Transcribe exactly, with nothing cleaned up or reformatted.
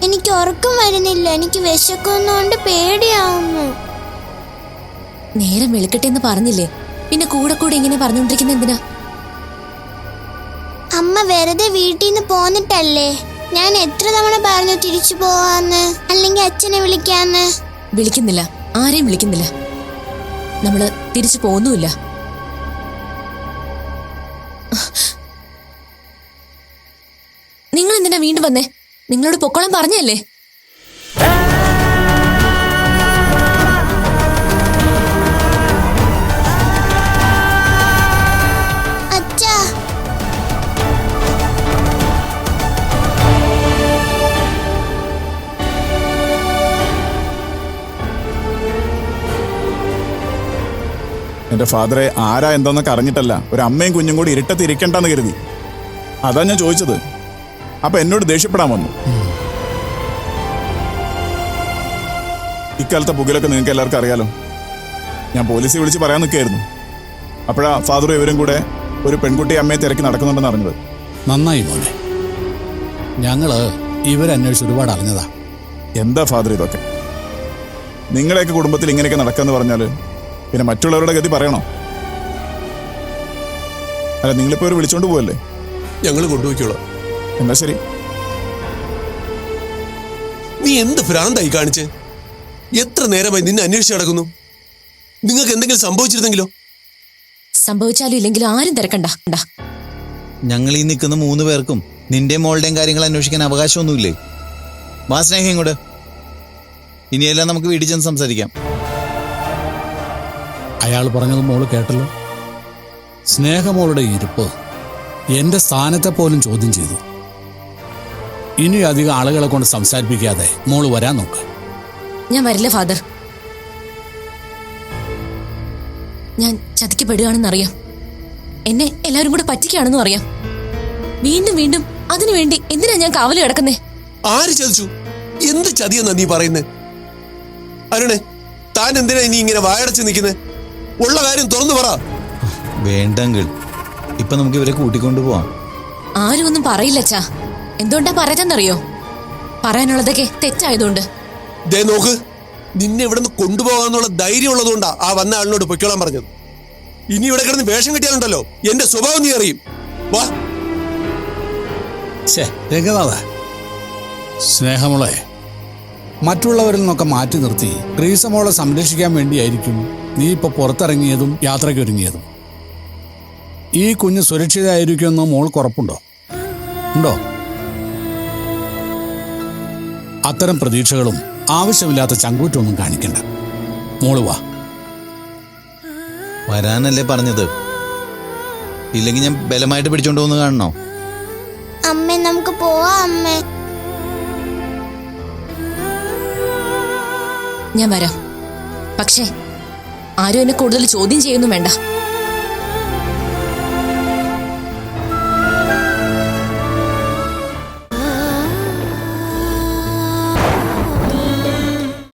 എനിക്ക് ഉറക്കം വരുന്നില്ല. എനിക്ക് വിശക്കുന്നോണ്ട് പേടിയാവുന്നു. നേരം വെളുക്കട്ടെ എന്ന് പറഞ്ഞില്ലേ, പിന്നെ കൂടെ കൂടെ ഇങ്ങനെ പറഞ്ഞോണ്ടിരിക്കുന്ന എന്തിനാ? അമ്മ വെറുതെ വീട്ടിൽ നിന്ന് പോന്നിട്ടല്ലേ? ഞാൻ എത്ര തവണ പറഞ്ഞു തിരിച്ചു പോവാന്ന്, അല്ലെങ്കിൽ അച്ഛനെ വിളിക്കാന്ന്. വിളിക്കുന്നില്ല, ആരെയും വിളിക്കുന്നില്ല. നമ്മള് തിരിച്ചു പോകുന്നുമില്ല. നിങ്ങൾ എന്തിനാ വീണ്ടും വന്നേ? നിങ്ങളോട് പൊക്കോളം പറഞ്ഞല്ലേ? അച്ഛാ, എന്റെ ഫാദറെ ആരാ എന്താന്നൊക്കെ അറിഞ്ഞിട്ടല്ല, ഒരു അമ്മയും കുഞ്ഞും കൂടി ഇരുട്ടത്ത് ഇരിക്കണ്ടെന്ന് കരുതി. അതാ ഞാൻ ചോദിച്ചത്. അപ്പൊ എന്നോട് ദേഷ്യപ്പെടാൻ വന്നു. ഇക്കാലത്തെ പുകയിലൊക്കെ നിങ്ങൾക്ക് എല്ലാവർക്കും അറിയാലോ. ഞാൻ പോലീസിൽ വിളിച്ച് പറയാൻ നിൽക്കുകയായിരുന്നു. അപ്പോഴാ ഫാദറും ഇവരും കൂടെ ഒരു പെൺകുട്ടി അമ്മയെ തിരക്കി നടക്കുന്നുണ്ടെന്ന് അറിഞ്ഞത്. നന്നായി മോനെ, ഞങ്ങള് ഇവരന്വേഷിച്ച് ഒരുപാട് അറിഞ്ഞതാ. എന്താ ഫാദർ ഇതൊക്കെ? നിങ്ങളെയൊക്കെ കുടുംബത്തിൽ ഇങ്ങനെയൊക്കെ നടക്കാന്ന് പറഞ്ഞാൽ പിന്നെ മറ്റുള്ളവരുടെ ഗതി പറയണോ? അല്ല, നിങ്ങളിപ്പോ ഒരു വിളിച്ചോണ്ട് പോവല്ലേ? ഞങ്ങൾ കൊണ്ടുപോയിക്കോളാം. എന്നാ ശരി. നീ എന്ത് ഭ്രാന്തായി കാണിച്ച്? എത്ര നേരമായി നിന്നെ അന്വേഷിച്ച് നടക്കുന്നു. നിങ്ങൾക്ക് എന്തെങ്കിലും സംഭവിച്ചിരുന്നെങ്കിലോ? സംഭവിച്ചാലും ഇല്ലെങ്കിലും ആരും തിരക്കണ്ട. ഞങ്ങൾ ഈ നിൽക്കുന്ന മൂന്ന് പേർക്കും നിന്റെ മോളുടെയും കാര്യങ്ങൾ അന്വേഷിക്കാൻ അവകാശമൊന്നുമില്ലേ? വാ സ്നേഹം ഇങ്ങോട്ട്. ഇനിയെല്ലാം നമുക്ക് വീട്ടിൽ ചെന്ന് സംസാരിക്കാം. അയാൾ പറഞ്ഞത് മോള് കേട്ടല്ലോ. സ്നേഹമോളുടെ ഇരിപ്പ് എന്റെ സ്ഥാനത്തെ പോലും ചോദ്യം ചെയ്തു. ഇനി അധികം ആളുകളെ കൊണ്ട് സംസാരിപ്പിക്കാതെ മോള് വരാൻ നോക്ക്. ഞാൻ വരില്ല ഫാദർ. ഞാൻ ചതിക്കപ്പെടുകയാണെന്നറിയാം. എന്നെ എല്ലാവരും കൂടെ പറ്റിക്കുകയാണെന്നും അറിയാം. വീണ്ടും വീണ്ടും അതിനുവേണ്ടി എന്തിനാ ഞാൻ കാവല് കിടക്കുന്നേ? ആര് ചതിച്ചു? എന്ത് ചതിയെന്നാ നീ പറയുന്നേ? അരുണേ, താൻ എന്തിനാ ഇനി ഇങ്ങനെ വായടച്ച് നിൽക്കുന്നേ? ഉള്ള കാര്യം തുറന്നു പറ. വേണ്ടെങ്കിൽ ഇപ്പൊ നമുക്ക് ഇവരെ കൂട്ടിക്കൊണ്ടു പോവാം. ആരും ഒന്നും പറയില്ല അച്ഛാ. എന്തുകൊണ്ടാ പറയാതെന്നറിയോ? പറയാനുള്ളതൊക്കെ തെറ്റായതുകൊണ്ട്. ദേ നോക്ക്, നിന്നെ ഇവിടെ നിന്ന് കൊണ്ടുപോകാന്നുള്ള ധൈര്യം ഉള്ളതുകൊണ്ടാ ആ വന്ന ആളിനോട് പൊയ്ക്കോളാൻ പറഞ്ഞത്. ഇനി ഇവിടെ കിടന്ന് വേഷം കിട്ടിയാലുണ്ടല്ലോ എന്റെ സ്വഭാവം നീ അറിയും. വാ. രംഗനാഥ, സ്നേഹമോളെ മറ്റുള്ളവരിൽ നിന്നൊക്കെ മാറ്റി നിർത്തി ഗ്രീസമോളെ സംരക്ഷിക്കാൻ വേണ്ടിയായിരിക്കും നീ ഇപ്പൊ പുറത്തിറങ്ങിയതും യാത്രയ്ക്കൊരുങ്ങിയതും. ഈ കുഞ്ഞ് സുരക്ഷിതമായിരിക്കുമെന്ന് മോൾക്ക് ഉറപ്പുണ്ടോ? ഉണ്ടോ? അത്തരം പ്രതീക്ഷകളും ആവശ്യമില്ലാത്ത ചങ്കൂറ്റൊന്നും കാണിക്കണ്ട. മോള് വാ. വരാനല്ലേ പറഞ്ഞത്? ഇല്ലെങ്കിൽ ഞാൻ ബലമായിട്ട് പിടിച്ചോണ്ട് പോകുന്ന കാണണോ? അമ്മേ, നമുക്ക് പോവാം അമ്മേ. ഞാൻ വരാം. പക്ഷേ ആരും എന്നെ കൂടുതൽ ചോദ്യം ചെയ്യുന്നു വേണ്ട.